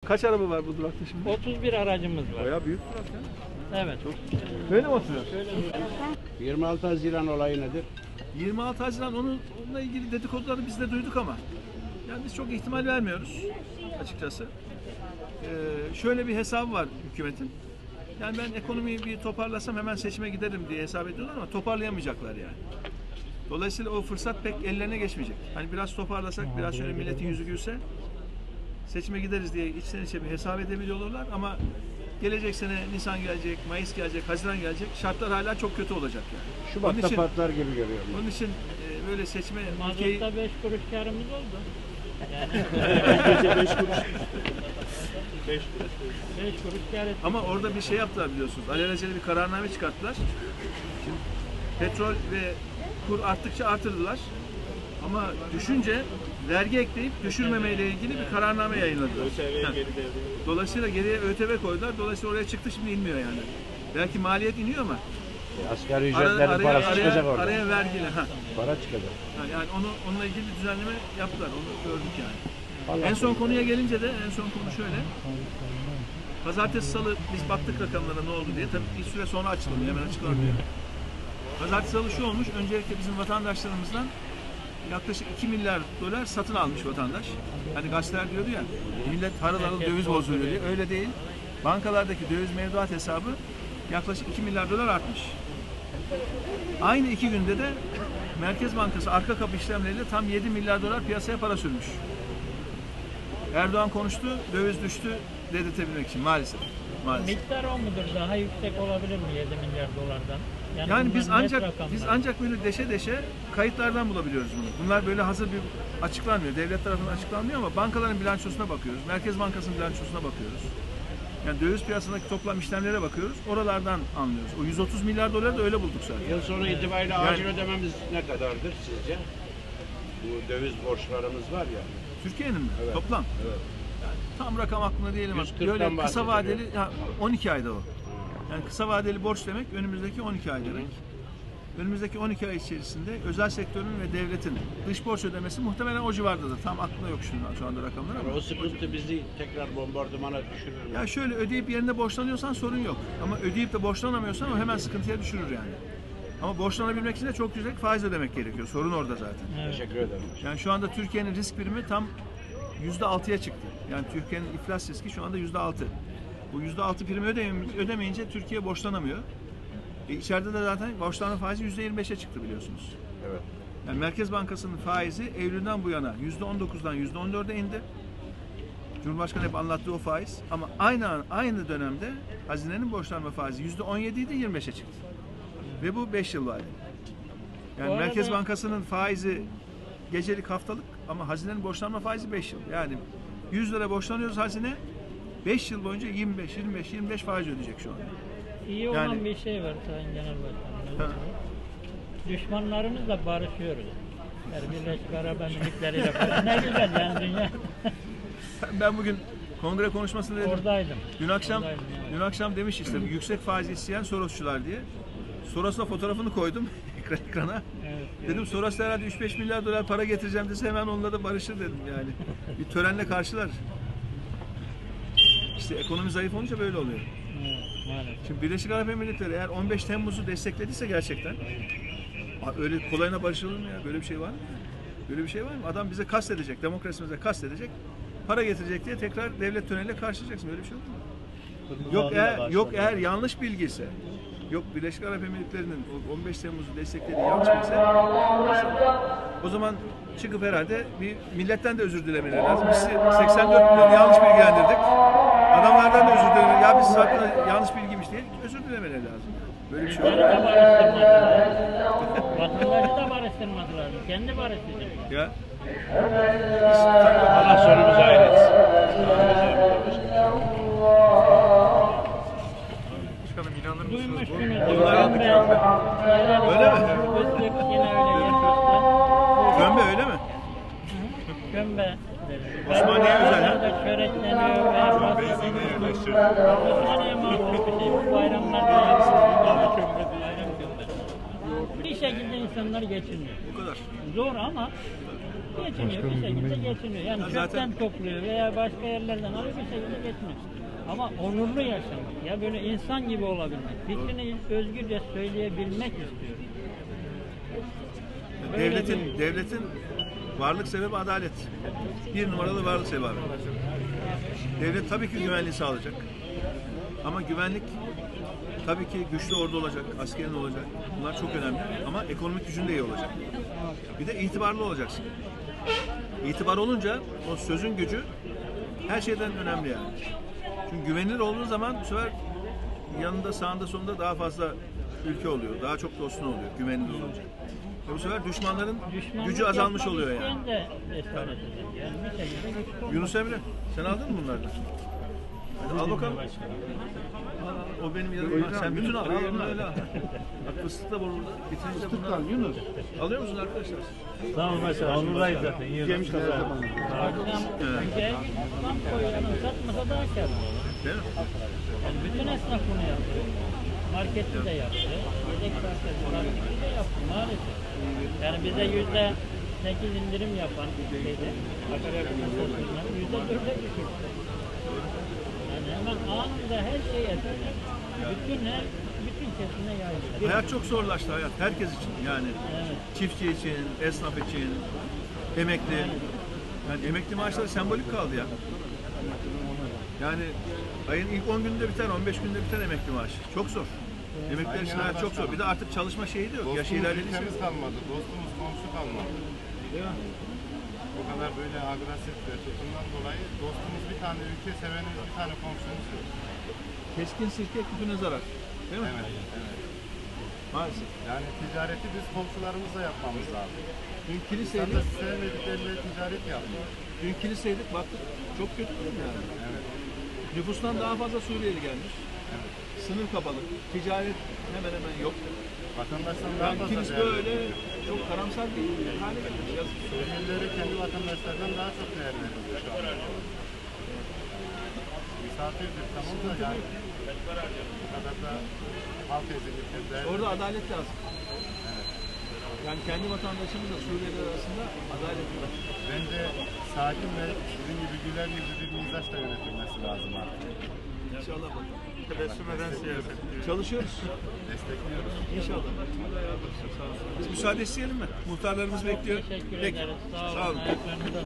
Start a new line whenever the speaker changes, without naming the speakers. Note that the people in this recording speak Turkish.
Kaç araba var bu durakta şimdi?
31 aracımız var.
Bayağı büyük durak ya.
Evet. Çok.
Böyle mi oturuyor?
26 Haziran olayı nedir?
26 Haziran onunla ilgili dedikoduları biz de duyduk ama yani biz çok ihtimal vermiyoruz açıkçası. Şöyle bir hesabı var hükümetin. Yani ben ekonomiyi bir toparlasam hemen seçime giderim diye hesap ediyorlar ama toparlayamayacaklar yani. Dolayısıyla o fırsat pek ellerine geçmeyecek. Hani biraz toparlasak, biraz şöyle milletin yüzü gülse seçime gideriz diye içten içe bir hesap edebiliyorlar ama gelecek sene Nisan gelecek, Mayıs gelecek, Haziran gelecek. Şartlar hala çok kötü olacak yani.
Şubat'ta patlar gibi görüyorum.
Onun için böyle seçme
Mazot'ta 5 kuruş karımız oldu. Yani.
5 kuruş.
5 kuruş kar ettik.
Ama orada bir şey yaptılar biliyorsunuz. Alelacele bir kararname çıkarttılar. Şimdi petrol ve kur arttıkça artırdılar. Ama düşünce vergi ekleyip düşürmemeyle ilgili bir kararname yayınladılar. Dolayısıyla geriye ÖTV koydular. Dolayısıyla oraya çıktı, şimdi inmiyor yani. Belki maliyet iniyor ama
Asgari ücretlerin parası çıkacak orada.
araya vergiyle.
Para çıkacak.
Yani onunla ilgili bir düzenleme yaptılar. Onu gördük yani. En son konuya gelince de en son konu şöyle. Pazartesi salı biz baktık rakamlara ne oldu diye. Tabii bir süre sonra açıklanıyor. Hemen açıklanmıyor. Pazartesi salı şu olmuş. Öncelikle bizim vatandaşlarımızdan yaklaşık 2 milyar dolar satın almış vatandaş. Hani gazeteler diyordu ya, millet harıl harıl döviz bozuluyor diye. Öyle değil. Bankalardaki döviz mevduat hesabı yaklaşık 2 milyar dolar artmış. Aynı 2 günde de Merkez Bankası arka kapı işlemleriyle tam 7 milyar dolar piyasaya para sürmüş. Erdoğan konuştu, döviz düştü dedirtebilmek için maalesef.
Miktar o mudur? Daha yüksek olabilir mi 7 milyar dolardan?
Yani biz ancak böyle deşe kayıtlardan bulabiliyoruz bunu. Bunlar böyle hazır bir açıklanmıyor. Devlet tarafından açıklanmıyor ama bankaların bilançosuna bakıyoruz. Merkez Bankası'nın bilançosuna bakıyoruz. Yani döviz piyasasındaki toplam işlemlere bakıyoruz. Oralardan anlıyoruz. O 130 milyar doları da öyle bulduk zaten.
Yıl sonu itibariyle acil ödememiz ne kadardır sizce? Bu döviz borçlarımız var ya.
Türkiye'nin mi?
Evet.
Toplam?
Evet.
Yani tam rakam aklımda değilim. Böyle kısa vadeli 12 ayda o. Yani kısa vadeli borç demek önümüzdeki 12 ay demek. Önümüzdeki 12 ay içerisinde özel sektörün ve devletin dış borç ödemesi muhtemelen o civardadır. Tam aklımda yok şu anda rakamlar ama.
O sıkıntı bizi tekrar bombardımana düşürür mü?
Ya şöyle ödeyip yerine borçlanıyorsan sorun yok. Ama ödeyip de borçlanamıyorsan o hemen sıkıntıya düşürür yani. Ama borçlanabilmek için de çok yüksek faiz ödemek gerekiyor. Sorun orada zaten.
Evet.
Teşekkür ederim.
Yani şu anda Türkiye'nin risk primi tam %6'ya çıktı. Yani Türkiye'nin iflas riski şu anda %6. Bu %6 primi ödemeyince Türkiye borçlanamıyor. İçeride de zaten borçlanma faizi %25'e çıktı biliyorsunuz.
Evet.
Yani Merkez Bankası'nın faizi Eylül'den bu yana %19'dan %14'e indi. Cumhurbaşkanı hep anlattığı o faiz. Ama aynı dönemde hazinenin borçlanma faizi %17 idi, 25'e çıktı. Ve bu 5 yıl vadeli. Yani Merkez Bankası'nın faizi gecelik haftalık ama hazinenin borçlanma faizi 5 yıl. Yani 100 lira borçlanıyoruz hazine 5 yıl boyunca 25 faiz ödeyecek şu anda.
İyi olan bir şey var Sayın Genel Başkanım. Düşmanlarımızla barışıyoruz. Yani Birleşik Arap Emirlikleri'yle falan. Ne güzel yani dünya.
Ben bugün kongre konuşmasında dedim.
Oradaydım.
Dün akşam demiş işte yüksek faiz isteyen Sorosçular diye. Soros'la fotoğrafını koydum ekrana. Evet, dedim Soros herhalde 3-5 milyar dolar para getireceğim dese hemen onunla da barışır dedim yani. Bir törenle karşılar. İşte ekonomi zayıf olunca böyle oluyor.
Evet, maalesef.
Şimdi Birleşik Arap Emirlikleri eğer 15 Temmuz'u desteklediyse gerçekten öyle kolayına barışılır mı ya? Böyle bir şey var mı? Böyle bir şey var mı? Adam bize kastedecek, demokrasimize kastedecek, para getirecek diye tekrar devlet töreniyle karşılayacaksın. Böyle bir şey olur mu? Yok eğer yanlış bilgiyse, yok Birleşik Arap Emirlikleri'nin 15 Temmuz'u desteklediği yanlış bilgiyse o zaman çıkıp herhalde bir milletten de özür dilemeleri lazım. Biz 84 milyonu yanlış bilgilendirdik. Adamlardan da özür dilemeleri. Ya biz zaten yanlış bilgiymiş diye özür dilemeleri lazım. Böyle bir şey olur.
Vatandaşı da barıştırmadılar. Kendi barıştıracak.
Ya.
Allah sonumuzu hayır etsin.
Başkanım inanır mısınız?
Duymuşsunuz.
Öyle mi?
Yine öyle yapmıştı.
Gömbe öyle mi?
Gömbe.
Osmaniye özel ha?
Çörekleniyor veya Osmaniye mahsus bir şey. Bu bayramlarda yapılıyor. Bayram gömbe. Bir şekilde insanlar geçiniyor.
Bu kadar.
Zor ama geçiniyor, bir şekilde geçiniyor. Yani
Ya zaten-
çöpten topluyor veya başka yerlerden alıyor, bir şekilde geçiniyor. Ama onurlu yaşamak, ya böyle insan gibi olabilmek, fikrini özgürce söyleyebilmek istiyor. Böyle
Devletin varlık sebebi adalet. Bir numaralı varlık sebebi. Devlet tabii ki güvenliği sağlayacak. Ama güvenlik tabii ki güçlü ordu olacak, askerin olacak. Bunlar çok önemli. Ama ekonomik gücün de iyi olacak. Bir de itibarlı olacaksın. İtibar olunca o sözün gücü her şeyden önemli yani. Çünkü güvenilir olduğun zaman bu sefer yanında, sağında, solunda daha fazla ülke oluyor. Daha çok dostun oluyor güvenilir olunca. Bu sefer düşmanların
düşmanlık
gücü azalmış
yapmak
oluyor yani.
isteyen de cesaret edecek. Yani bir şekilde güçlü olmak.
Yunus Emre, sen aldın mı bunlardan? Hadi al bakalım. O benim yanımda. Sen bütün al. Öyle al. Bak fıstık da burada. Bitirince bunları al. Yunus. Alıyor musunuz arkadaşlar?
Sağ olun başkanım. Onurdayız zaten. Yemiş kazandık.
Akşam ülkeye tam koyuyorum, satmasa daha kârlı olur.
Değil mi?
Yani bütün esnaf bunu yapıyor. Markette de yaptı. Yedek parçacılardaki de yaptı maalesef. Yani bize %8 indirim yapan şeyde, akaryakıt masasından %4'e düşürdü. Yani hemen anında her şey etkiler. Bütün kesime yayılıyor.
Hayat çok zorlaştı hayat. Herkes için yani.
Evet.
Çiftçi için, esnaf için, emekli. Yani emekli maaşları sembolik kaldı ya. Yani ayın ilk 10 günde biter, 15 günde biter emekli maaşı. Çok zor. Emekliler için hayat çok zor. Bir de artık çalışma şeyi de yok. Yaşı
Dostumuz
ilerlediyse.
ülkemiz kalmadı, dostumuz komşu kalmadı.
Değil mi?
Bu kadar böyle agresif ve tutumdan dolayı dostumuz bir tane, ülke sevenimiz bir tane komşumuz yok.
Keskin sirke küpüne zarar. Değil mi?
Evet, evet.
Maalesef.
Yani ticareti biz komşularımızla yapmamız lazım.
Dün
İnsanlar
kiliseydik,
sevmedikleriyle ticaret yapmıyor.
dün kiliseydik baktık çok kötü yani.
Evet.
Nüfustan daha fazla Suriyeli gelmiş.
Evet.
Sınır kapalı. Ticaret hemen hemen yok.
Vatandaştan daha
Yani
fazla
kilis
değer
böyle
veriyor.
çok karamsar bir hale gelmiş. Yazık.
Suriyelileri kendi vatandaşlardan daha çok değer veriyor şu an. Misafirdir tamam da yani bu kadar da halk ezilirken değer
Orada adalet lazım. Yani kendi vatandaşımızla Suriyeliler arasında adalet var.
Bence sakin ve sizin gibi güler yüzlü bir mizaçla yönetilmesi lazım artık.
İnşallah bakalım.
Tebessüm eden siyaset.
Çalışıyoruz.
Destekliyoruz.
İnşallah. Biz müsaade isteyelim mi? Muhtarlarımız bekliyor.
Teşekkür
Peki.
ederiz.
Sağ olun.
Ayaklarınıza